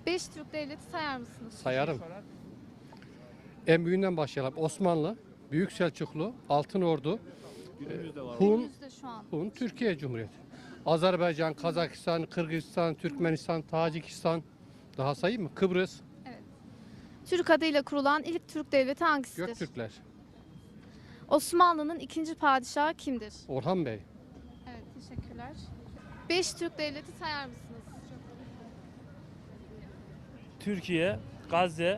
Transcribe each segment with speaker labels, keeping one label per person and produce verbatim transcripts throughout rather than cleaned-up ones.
Speaker 1: Beş Türk devleti sayar mısınız?
Speaker 2: Sayarım. En büyüğünden başlayalım. Osmanlı, Büyük Selçuklu, Altınordu, Hun,
Speaker 1: Günümüzde şu an.
Speaker 2: Hun, Türkiye Cumhuriyeti. Azerbaycan, Kazakistan, Kırgızistan, Türkmenistan, Tacikistan. Daha sayayım mı? Kıbrıs,
Speaker 1: Türk adıyla kurulan ilk Türk devleti hangisidir?
Speaker 2: Göktürkler.
Speaker 1: Osmanlı'nın ikinci padişahı kimdir?
Speaker 2: Orhan Bey.
Speaker 1: Evet, teşekkürler. Beş Türk devleti sayar mısınız?
Speaker 3: Türkiye, Gazze,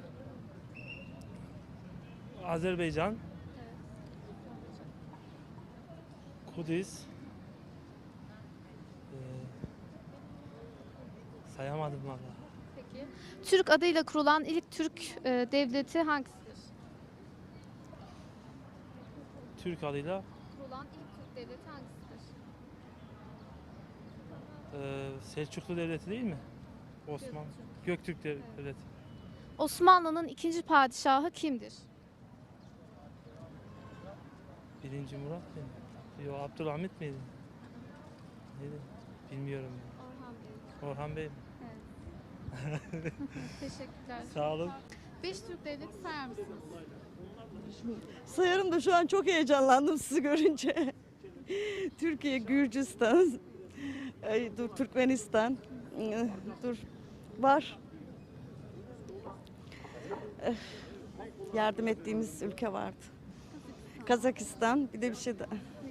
Speaker 3: Azerbaycan, Kudüs, ee, sayamadım valla.
Speaker 1: Peki. Türk adıyla kurulan ilk Türk e, devleti hangisidir?
Speaker 3: Türk adıyla
Speaker 1: Kurulan ilk Türk devleti hangisidir?
Speaker 3: ee, Selçuklu Devleti değil mi? Osman, Göktürk Dev- Devleti.
Speaker 1: Osmanlı'nın ikinci padişahı kimdir?
Speaker 3: Birinci Murat mıydı? Yok, Abdülhamit miydi? Neydi? Bilmiyorum.
Speaker 1: Orhan Bey.
Speaker 3: Orhan Bey mi?
Speaker 1: Teşekkürler.
Speaker 3: Sağ olun.
Speaker 1: Beş Türk devleti sayar mısınız?
Speaker 4: Sayarım da şu an çok heyecanlandım sizi görünce. Türkiye, Gürcistan, ay, dur Türkmenistan, ıı, dur var. Eh, Yardım ettiğimiz ülke vardı. Kazakistan, bir de bir şey daha.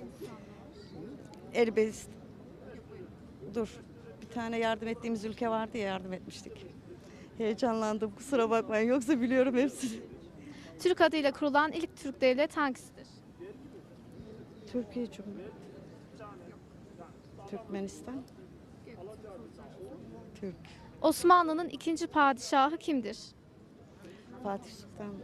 Speaker 4: Elbistan. Dur, bir tane yardım ettiğimiz ülke vardı ya, yardım etmiştik. Heyecanlandım, kusura bakmayın, yoksa biliyorum hepsini.
Speaker 1: Türk adıyla kurulan ilk Türk devlet hangisidir?
Speaker 4: Türkiye Cumhuriyeti. Türkmenistan. Türk.
Speaker 1: Osmanlı'nın ikinci padişahı kimdir?
Speaker 4: Fatih Sultan.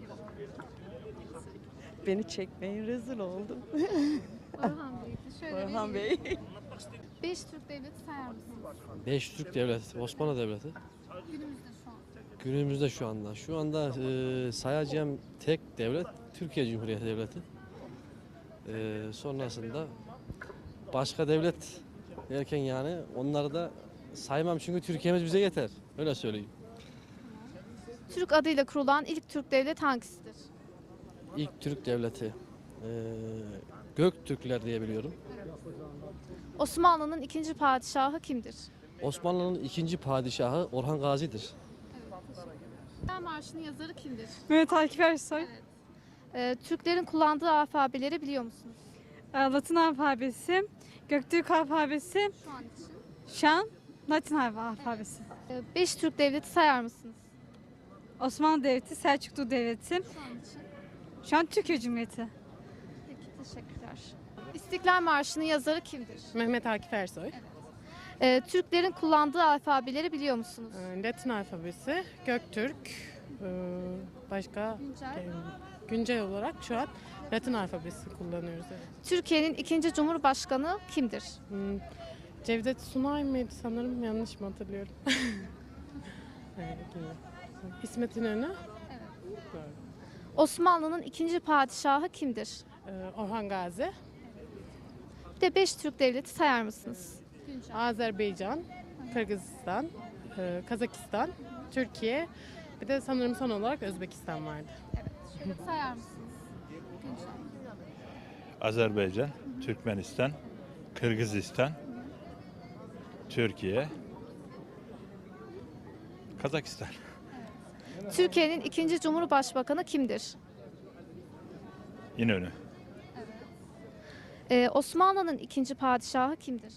Speaker 4: Beni çekmeyin, rezil oldum.
Speaker 1: Orhan Bey'di. Şöyle
Speaker 4: Orhan
Speaker 1: vereyim.
Speaker 4: Bey.
Speaker 1: Beş Türk devleti sayar mısınız?
Speaker 5: Beş Türk devleti, Osmanlı Devleti.
Speaker 1: Günümüzde şu an.
Speaker 5: Günümüzde şu anda. Şu anda e, sayacağım tek devlet Türkiye Cumhuriyeti Devleti. E, sonrasında başka devlet derken yani onları da saymam çünkü Türkiye'miz bize yeter. Öyle söyleyeyim.
Speaker 1: Türk adıyla kurulan ilk Türk devlet hangisidir?
Speaker 5: İlk Türk devleti e, Göktürkler diye biliyorum.
Speaker 1: Osmanlı'nın ikinci padişahı kimdir?
Speaker 5: Osmanlı'nın ikinci padişahı Orhan Gazi'dir.
Speaker 1: İstiklal Marşı'nın yazarı kimdir?
Speaker 6: Mehmet Akif Ersoy.
Speaker 1: Ee, Türklerin kullandığı alfabeleri biliyor musunuz?
Speaker 6: Ee, Latin alfabesi, Göktürk alfabesi,
Speaker 1: Şu an için.
Speaker 6: şu an Latin alfabesi.
Speaker 1: Ee, beş Türk devleti sayar mısınız?
Speaker 6: Osmanlı Devleti, Selçuklu Devleti,
Speaker 1: Şu an için.
Speaker 6: şu an Türkiye Cumhuriyeti.
Speaker 1: Peki, teşekkürler. İstiklal Marşı'nın yazarı kimdir?
Speaker 7: Mehmet Akif Ersoy.
Speaker 1: Ee, Türklerin kullandığı alfabeleri biliyor musunuz?
Speaker 7: Ee, Latin alfabesi, Göktürk, ee, başka
Speaker 1: Güncel.
Speaker 7: ee, güncel olarak şu an Latin alfabesi kullanıyoruz. Evet.
Speaker 1: Türkiye'nin ikinci cumhurbaşkanı kimdir?
Speaker 7: Hmm, Cevdet Sunay mıydı sanırım, yanlış mı hatırlıyorum? Evet, bilmiyorum. İsmet İnönü, Doğru.
Speaker 1: Osmanlı'nın ikinci padişahı kimdir?
Speaker 7: Ee, Orhan Gazi,
Speaker 1: Bir de beş Türk devleti sayar mısınız?
Speaker 7: Azerbaycan, Kırgızistan, ee, Kazakistan, Türkiye, bir de sanırım son olarak Özbekistan vardı.
Speaker 1: Sayar mısınız?
Speaker 8: Azerbaycan, Türkmenistan, Kırgızistan, Türkiye, Kazakistan.
Speaker 1: Türkiye'nin ikinci cumhurbaşkanı kimdir?
Speaker 8: İnönü.
Speaker 1: Ee, Osmanlı'nın ikinci padişahı kimdir?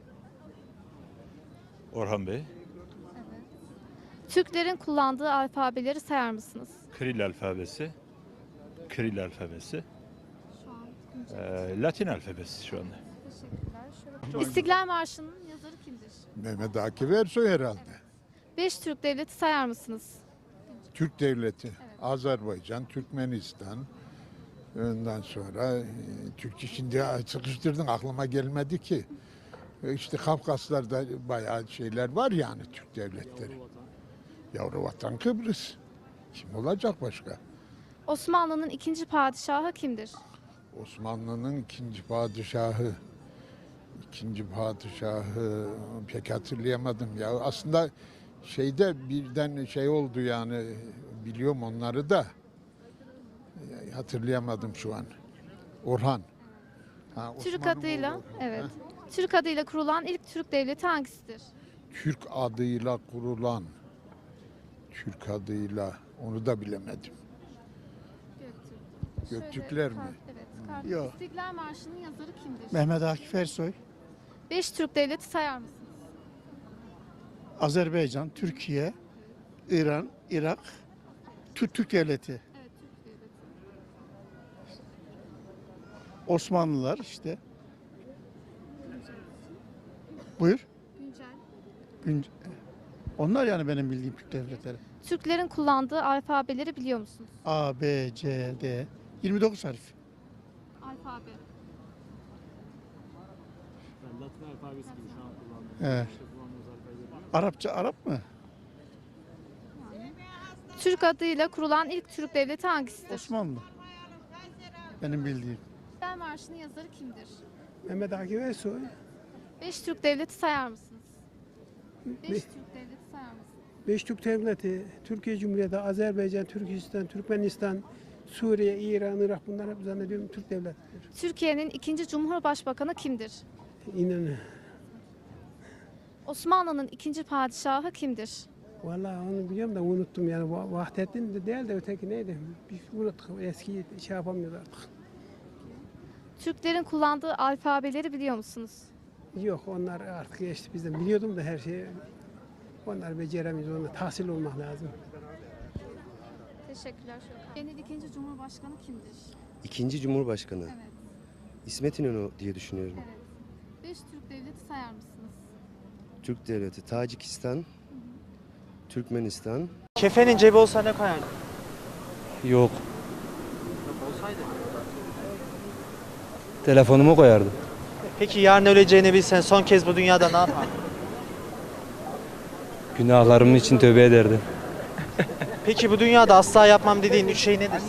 Speaker 8: Orhan Bey.
Speaker 1: Türklerin kullandığı alfabeleri sayar mısınız?
Speaker 8: Kiril alfabesi. Kiril alfabesi. Ee, Latin alfabesi şu anda.
Speaker 1: İstiklal Marşı'nın yazarı kimdir?
Speaker 9: Mehmet Akif Ersoy herhalde.
Speaker 1: Beş Türk devleti sayar mısınız?
Speaker 9: Türk devleti, Azerbaycan, Türkmenistan. Ondan sonra e, Türkçe şimdi sıkıştırdın aklıma gelmedi ki. E, İşte Kafkaslar'da bayağı şeyler var yani Türk devletleri. Yavru vatan Kıbrıs. Kim olacak başka?
Speaker 1: Osmanlı'nın ikinci padişahı kimdir?
Speaker 9: Osmanlı'nın ikinci padişahı. İkinci padişahı pek hatırlayamadım ya. Aslında şeyde birden şey oldu yani biliyorum onları da e, hatırlayamadım şu an. Orhan. Ha,
Speaker 1: Türk
Speaker 9: Osman'ın
Speaker 1: adıyla,
Speaker 9: oğlu.
Speaker 1: evet.
Speaker 9: Ha?
Speaker 1: Türk adıyla kurulan ilk Türk devleti hangisidir?
Speaker 9: Türk adıyla kurulan Türk adıyla onu da bilemedim.
Speaker 1: Göktürk.
Speaker 9: Göktürkler
Speaker 1: Şöyle
Speaker 9: mi?
Speaker 1: kart- Evet. Kart.
Speaker 10: Yok.
Speaker 1: İstiklal Marşı'nın yazarı kimdir?
Speaker 10: Mehmet Akif Ersoy,
Speaker 1: Beş Türk devleti sayar mısınız?
Speaker 10: Azerbaycan, Türkiye, İran, Irak, Türk, Türk Devleti,
Speaker 1: Evet, Türk devleti.
Speaker 10: Osmanlılar işte. Buyur.
Speaker 1: Güncel.
Speaker 10: Gün- Onlar yani benim bildiğim Türk devletleri.
Speaker 1: Türklerin kullandığı alfabeleri biliyor musunuz?
Speaker 10: A, B, C, D. yirmi dokuz harf.
Speaker 1: Alfabe.
Speaker 10: Evet. Arapça, Arap mı?
Speaker 1: Türk adıyla kurulan ilk Türk devleti hangisidir?
Speaker 10: Osmanlı. Benim bildiğim.
Speaker 1: İstiklal Marşı'nın yazarı kimdir?
Speaker 11: Mehmet Akif Ersoy.
Speaker 1: Beş Türk devleti sayar mısınız? Beş
Speaker 11: Be-
Speaker 1: Türk devleti sayar mısınız?
Speaker 11: Beş Türk Devleti, Türkiye Cumhuriyeti, Azerbaycan, Türkistan, Türkmenistan, Suriye, İran, Irak bunlar hep zannediyorum Türk devletleri.
Speaker 1: Türkiye'nin ikinci Cumhurbaşkanı kimdir?
Speaker 11: İnanın.
Speaker 1: Osmanlı'nın ikinci padişahı kimdir?
Speaker 11: Vallahi onu biliyorum da unuttum yani. Va- Vahdettin de değil de öteki neydi? Biz unuttuk. Eski şey yapamıyoruz artık.
Speaker 1: Türklerin kullandığı alfabeleri biliyor musunuz?
Speaker 11: Yok onlar artık geçti bizden. Biliyordum da her şeyi. Onlar beceremiyoruz. Onlar tahsil olmak lazım.
Speaker 1: Teşekkürler. Türkiye'nin ikinci Cumhurbaşkanı kimdir?
Speaker 12: İkinci Cumhurbaşkanı.
Speaker 1: Evet.
Speaker 12: İsmet İnönü diye düşünüyorum.
Speaker 1: Evet. Beş Türk devleti sayar mısınız?
Speaker 12: Türk Devleti, Tacikistan, Türkmenistan.
Speaker 3: Kefenin cebi olsa ne koyardın?
Speaker 5: Yok.
Speaker 3: Olsaydı.
Speaker 5: Telefonumu koyardım.
Speaker 3: Peki yarın öleceğini bilsen son kez bu dünyada ne yapardın?
Speaker 5: Günahlarım için tövbe ederdim.
Speaker 3: Peki bu dünyada asla yapmam dediğin üç şey nedir?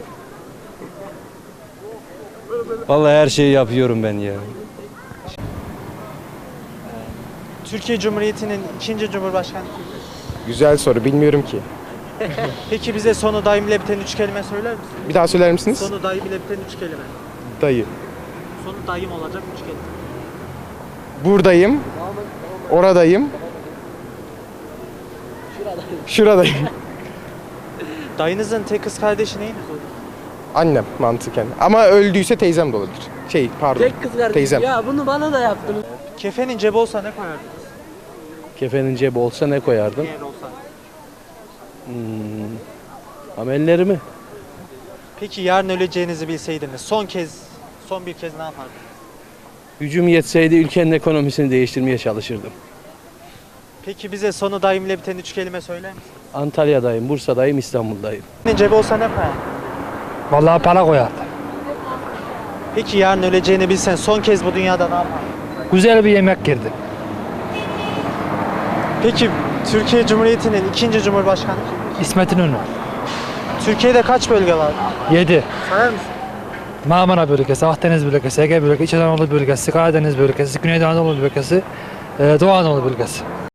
Speaker 5: Vallahi her şeyi yapıyorum ben ya.
Speaker 3: Türkiye Cumhuriyeti'nin ikinci Cumhurbaşkanı kimdir?
Speaker 13: Güzel soru, bilmiyorum ki.
Speaker 3: Peki bize sonu daim ile biten üç kelime söyler misin?
Speaker 13: Bir daha söyler misiniz?
Speaker 3: Sonu daim ile biten üç kelime.
Speaker 13: Dayı.
Speaker 3: Sonu daim olacak üç kelime.
Speaker 13: Buradayım. Oradayım. Şuradayım.
Speaker 3: Dayınızın tek kız kardeşi neyiniz olur?
Speaker 13: Annem mantıken. Ama öldüyse teyzem de olabilir. Şey pardon.
Speaker 14: Tek kız kardeşim.
Speaker 13: Teyzem.
Speaker 14: Ya bunu bana da yaptınız.
Speaker 3: Kefenin cebi olsa ne koyardınız?
Speaker 5: Kefenin cebi olsa ne koyardım?
Speaker 3: Eğer olsa.
Speaker 5: Hmm, amellerimi.
Speaker 3: Peki yarın öleceğinizi bilseydiniz son kez, son bir kez ne yapardınız?
Speaker 5: Gücüm yetseydi ülkenin ekonomisini değiştirmeye çalışırdım.
Speaker 3: Peki bize sonu daim ile biten üç kelime söyler misin?
Speaker 5: Antalya'dayım, Bursa'dayım, İstanbul'dayım.
Speaker 3: Kefenin cebi olsa ne koyardın?
Speaker 11: Vallahi para koyardım.
Speaker 3: Peki yarın öleceğini bilsen son kez bu dünyada ne yapardın?
Speaker 11: Güzel bir yemek girdi.
Speaker 3: Peki Türkiye Cumhuriyeti'nin ikinci Cumhurbaşkanı kimdir?
Speaker 11: İsmet İnönü.
Speaker 3: Türkiye'de kaç bölge var?
Speaker 11: yedi.
Speaker 3: Sayar mısın?
Speaker 11: Marmara bölgesi, Akdeniz bölgesi, Ege bölgesi, İç Anadolu bölgesi, Karadeniz bölgesi, Güneydoğu Anadolu bölgesi, Doğu Anadolu bölgesi.